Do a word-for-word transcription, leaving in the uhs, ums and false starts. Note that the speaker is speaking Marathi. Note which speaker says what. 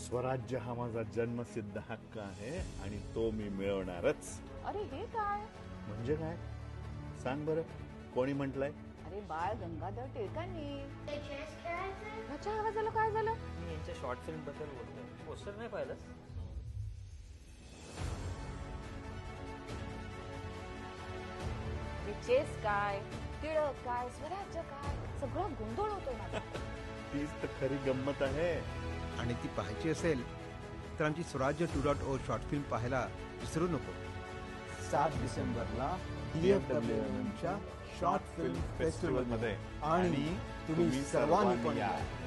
Speaker 1: स्वराज्य हा माझा जन्मसिद्ध हक्क आहे आणि तो मी मिळवणारच.
Speaker 2: अरे हे काय?
Speaker 1: म्हणजे काय सांग बरं, कोणी म्हटलंय?
Speaker 2: अरे बाळ गंगाधर टिळकांनी.
Speaker 3: ते चेस खेळायचे.
Speaker 2: ह्याच्या आवाजाला काय झालं?
Speaker 4: मी यांच्या शॉर्ट फिल्म बद्दल बोलतोय. पोस्टर नाही पाहिलं?
Speaker 2: चेस काय, टिळक काय, स्वराज्य काय, सगळं गोंधळ होतोय माझा.
Speaker 1: तीच तर खरी गंमत आहे.
Speaker 5: आणि ती पाहायची असेल तर आमची Swarajya two dot O short film पाहायला विसरू नको.
Speaker 6: सात डिसेंबरला डी एफ डब्ल्यू एम च्या शॉर्ट फिल्म फेस्टिवलमध्ये आणि तुम्ही सर्वांनी पण या.